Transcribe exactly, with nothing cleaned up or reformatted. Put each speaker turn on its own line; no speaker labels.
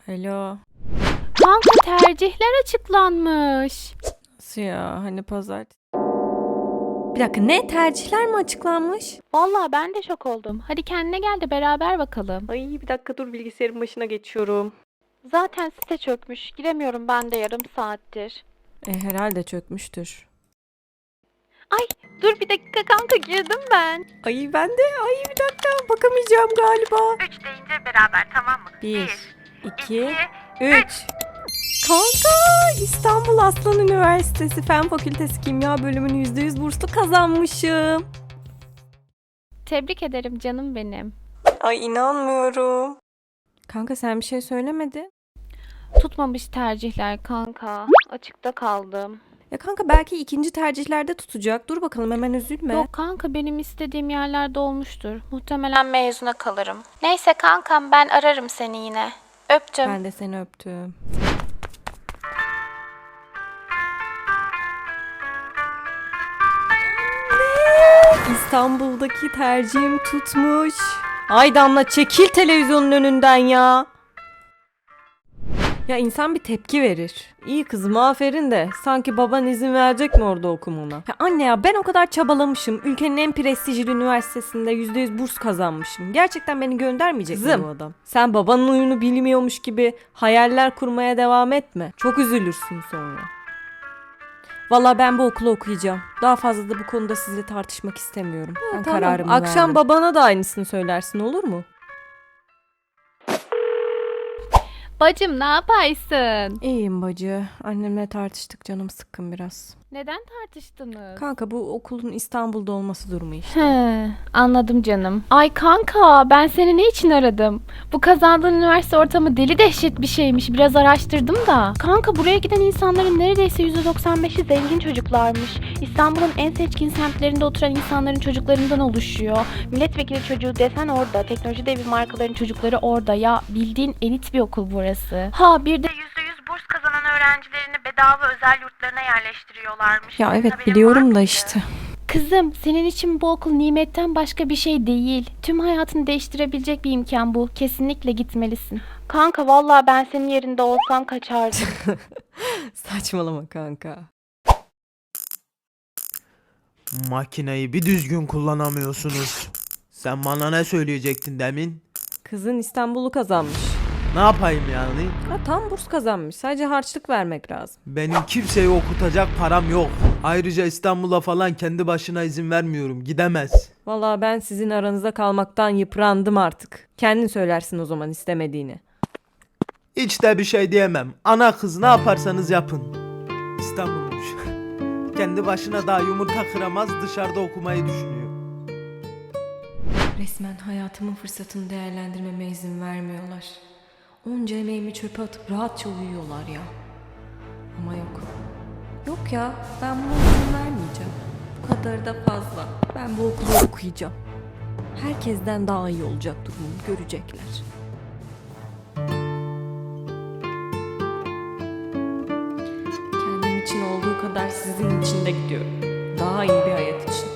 Alo.
Kanka tercihler açıklanmış.
Nasıl ya? Hani pazartesi? Bir dakika, ne? Tercihler mi açıklanmış?
Vallahi ben de şok oldum. Hadi kendine gel de beraber bakalım.
Ay bir dakika dur, bilgisayarın başına geçiyorum.
Zaten site çökmüş. Giremiyorum ben de yarım saattir.
E, herhalde çökmüştür.
Ay dur bir dakika kanka, girdim ben.
Ay ben de, ay bir dakika bakamayacağım galiba.
Üç deyince beraber, tamam mı?
Bir, iki,
iki,
üç. Kanka, İstanbul Aslan Üniversitesi Fen Fakültesi Kimya bölümünü yüzde yüz burslu kazanmışım.
Tebrik ederim canım benim.
Ay inanmıyorum. Kanka sen bir şey söylemedin.
Tutmamış tercihler kanka. Açıkta kaldım.
Ya kanka belki ikinci tercihlerde tutacak. Dur bakalım, hemen üzülme.
Yok kanka, benim istediğim yerlerde olmuştur. Muhtemelen mezuna kalırım. Neyse kankam, ben ararım seni yine. Öptüm.
Ben de seni öptüm. İstanbul'daki tercihim tutmuş. Ay Damla, çekil televizyonun önünden ya. Ya insan bir tepki verir. İyi kızım, aferin de sanki baban izin verecek mi orada okumana? Ya anne ya, ben o kadar çabalamışım. Ülkenin en prestijli üniversitesinde yüzde yüz burs kazanmışım. Gerçekten beni göndermeyecek mi bu adam? Sen babanın oyunu bilmiyormuş gibi hayaller kurmaya devam etme. Çok üzülürsün sonra. Vallahi ben bu okulu okuyacağım. Daha fazla da bu konuda sizle tartışmak istemiyorum. Ben
tamam.
kararımı verdim. Akşam babana da aynısını söylersin, olur mu?
Bacım ne yaparsın?
İyiyim bacı. Annemle tartıştık, canım sıkkın biraz.
Neden tartıştınız?
Kanka bu okulun İstanbul'da olması durumu işte.
He, anladım canım. Ay kanka, ben seni ne için aradım? Bu kazandığın üniversite ortamı deli dehşet bir şeymiş. Biraz araştırdım da. Kanka, buraya giden insanların neredeyse yüzde doksan beşi zengin çocuklarmış. İstanbul'un en seçkin semtlerinde oturan insanların çocuklarından oluşuyor. Milletvekili çocuğu desen orada. Teknoloji devi markaların çocukları orada. Ya bildiğin elit bir okul burası. Ha bir de
yüzde yüz burs kazanan öğrencilerini bedava özel yurtlarına yerleştiriyorlarmış.
Ya evet,
Haberin var
biliyorum da
mıydı?
işte.
kızım, senin için bu okul nimetten başka bir şey değil. Tüm hayatını değiştirebilecek bir imkan bu. Kesinlikle gitmelisin. Kanka vallahi ben senin yerinde olsam kaçardım.
Saçmalama kanka.
Makineyi bir düzgün kullanamıyorsunuz. Sen bana ne söyleyecektin demin?
Kızın İstanbul'u kazanmış.
Ne yapayım yani?
Ha, tam burs kazanmış. Sadece harçlık vermek lazım.
Benim kimseyi okutacak param yok. Ayrıca İstanbul'a falan kendi başına izin vermiyorum. Gidemez.
Vallahi ben sizin aranızda kalmaktan yıprandım artık. Kendin söylersin o zaman istemediğini.
Hiç de bir şey diyemem. Ana kız ne yaparsanız yapın. İstanbul'muş. Kendi başına daha yumurta kıramaz, dışarıda okumayı düşünüyor.
Resmen hayatımın fırsatını değerlendirmeme izin vermiyorlar. Onca emeğimi çöpe atıp rahatça uyuyorlar ya. Ama yok. Yok ya, ben buna izin vermeyeceğim. Bu kadar da fazla. Ben bu okulu okuyacağım. Herkesten daha iyi olacak durumum, görecekler. Kendim için olduğu kadar sizin için de gidiyorum. Daha iyi bir hayat için.